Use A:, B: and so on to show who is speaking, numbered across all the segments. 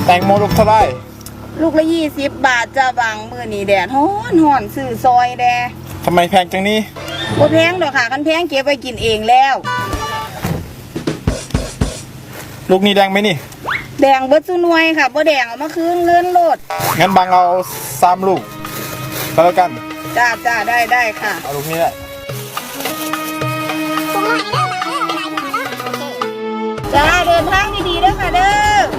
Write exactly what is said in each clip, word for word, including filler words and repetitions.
A: แตงโมลูกเท่าไร
B: ลูกละยี่สิบบาทจะบางมือนี่แดดฮ้อนฮ้อนซื้อซอยแด
A: ทำไมแพงจังนี้
B: บ่แพงดอกค่ะคันแพงเก็บไว้กินเองแล้ว
A: ลูกนี้แดงไหมนี่
B: แดงเบิดซุหน่วยค่ะบ่แดงเอามาคืนเลื่อนโลด
A: งั้นบางเอาสามลูกก็แล้วกัน
B: จ้าจ้าได้ได้ค่ะ
A: เอาลูกนี้แหละ
B: จ้าเดินทางดีๆเด้อค่ะเด้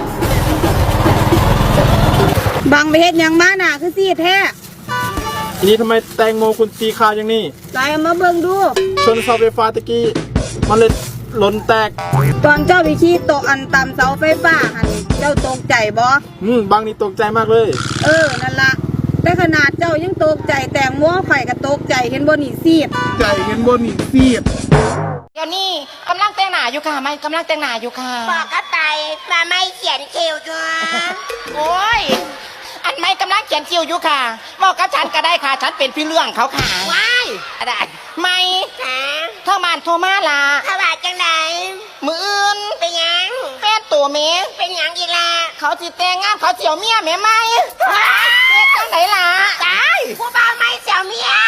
B: อบางไปเฮ็ดหยังมาหนาคือซีดแท้
A: ทีนี้ทำไมแตงโมคุณสีขาวอย่างนี้
B: ไล่มาเบิ่งดู
A: ชนเสาไฟฟ้าตะกี้มันเลยหล่นแตก
B: ตอนเจ้าไปขี่ตกอันต่ำเสาไฟฟ้าหันเจ้าตกใจบ่
A: อืมบางนี่ตกใจมากเลย
B: เออนั่นละแต่ขนาดเจ้ายังตกใจแต่งมัวไข่ก็ตกใจเห็นบ่นี่ซีด
A: ใจเห็นบ่นี่ซีด
C: เดี๋ยวนี้กำลังแต่งหน้าอยู่ค่ะไม่กำลังแต่งหน้าอยู่ค่ะ
D: บอกกระต่ายมาไม่เขียนคิวจ้า
C: โอ้ยอันไม่กำลังเขียนคิวอยู่ค่ะบอกกับฉันก็ได้ค่ะฉันเป็นพี่เรื่องเขาค่ะ
D: ว้าย
C: อะไรไม่
D: ค่ะ
C: เท่ามานโทรมาล่ะ
D: ขบาดจังไหน
C: มืออื่น
D: เป็นยัง
C: แฟนตัวเมย์
D: เป็นยังอีล่ะ
C: เขาจิแต่งงานเขาเจียวเมียแม่ไหมเป็นจังไหนล่ะ
D: ตายผู้บ่าวไม่เสียวเมีย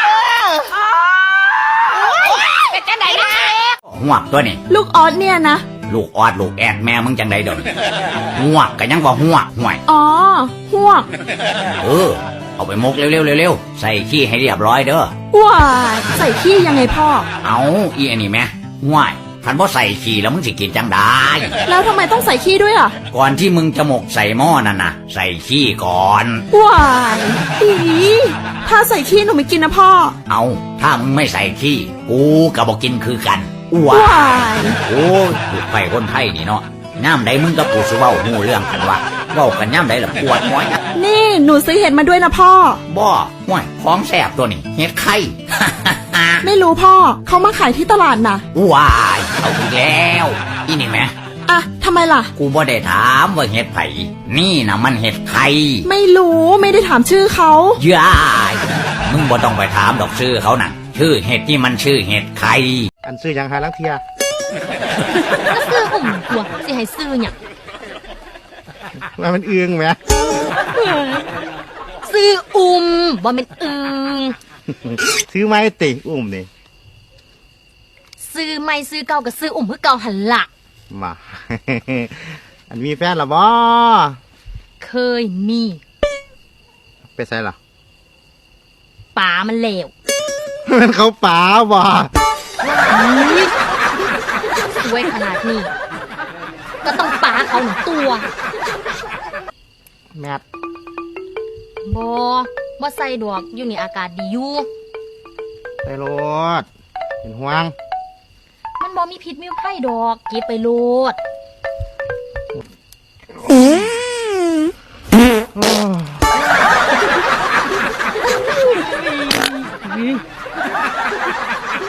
C: เป็นจังไหนนะ
E: หวกตัวนี่
F: ลูกออสเนี่ยนะ
E: ลูกออดลูกแอดแม่มึงจังใดเดี๋ยวนี้หวกก็ยังว่าหวกห่วย
F: อ๋อหวก
E: เออเอาไปมกเร็วๆเร็วๆใส่ขี้ให้เรียบร้อยเด้อ
F: ว้าใส่ขี้ยังไงพ่อ
E: เอาอีอันนี้แม่ห่วยคันบ่ใส่ขี้แล้วมึงสิกินจังได้
F: แล้วทำไมต้องใส่ขี้ด้วยอ่ะ
E: ก่อนที่มึงจะหมกใส่หม้อนั่นน่ะใส่ขี้ก่อน
F: ว้ายอีถ้าใส่ขี้หนูไม่กินนะพ่อ
E: เอาถ้ามึงไม่ใส่ขี้กูก็บ่กินคือกัน
F: ว้าย
E: โอ้ยลูกไฟคนไทยนี่เนาะย่ำใดมึงกับกูสิเว้าหูเรื่องกันวะเว้ากันย่ำใดล่ะปวดหัว
F: นี่หนูซื้อเห็ดมาด้วยนะพ่อ
E: บ่ห่วยของแซ่บตัวนี้เห็ดไข่
F: ไม่รู้พ่อเขามาขายที่ตลาดนะ
E: ว้ายเอาอีกแล้วอีนี่แม่
F: อะทำไมล่ะ
E: กูบ่ได้ถามว่าเห็ดไผ่นี่นะมันเห็ดไข่
F: ไม่รู้ไม่ได้ถามชื่อเขา
E: ย้ายมึงบ่ต้องไปถามดอกชื่อเขาน่ะชื่อเห็ดที่มันชื่อเห็ดไข่
A: อันซื้อยังหาลังเทีย
F: ก็ซื้ออุ่มตัวสิให้ซื้อเนี่ย
A: ว่ามันเอืองไหม
F: ซื้ออุ่มบ่เป็นเอือง
A: ซื้อไม้ติอุ่มนี่
F: ซื้อไม่ซื้อเก่ากับซื้ออุ่มเพื่อเก่าหันละ
A: มาอันมีแฟนหรอบ่
F: เคยมี
A: ไปใส่หรอ
F: ป๋ามันเลว
A: มันเขาป๋าบ่
F: สวยขนาดนี้ก็ต้องป๋าเขาหนึ่งตัว
A: แมท
F: บ่บ่ใส่ดอกอยู่นี่อากาศดีอยู่
A: ไปโลดเป็นห่วง
F: มันบ่มีพิษมีภัยดอกเก็บไปโลด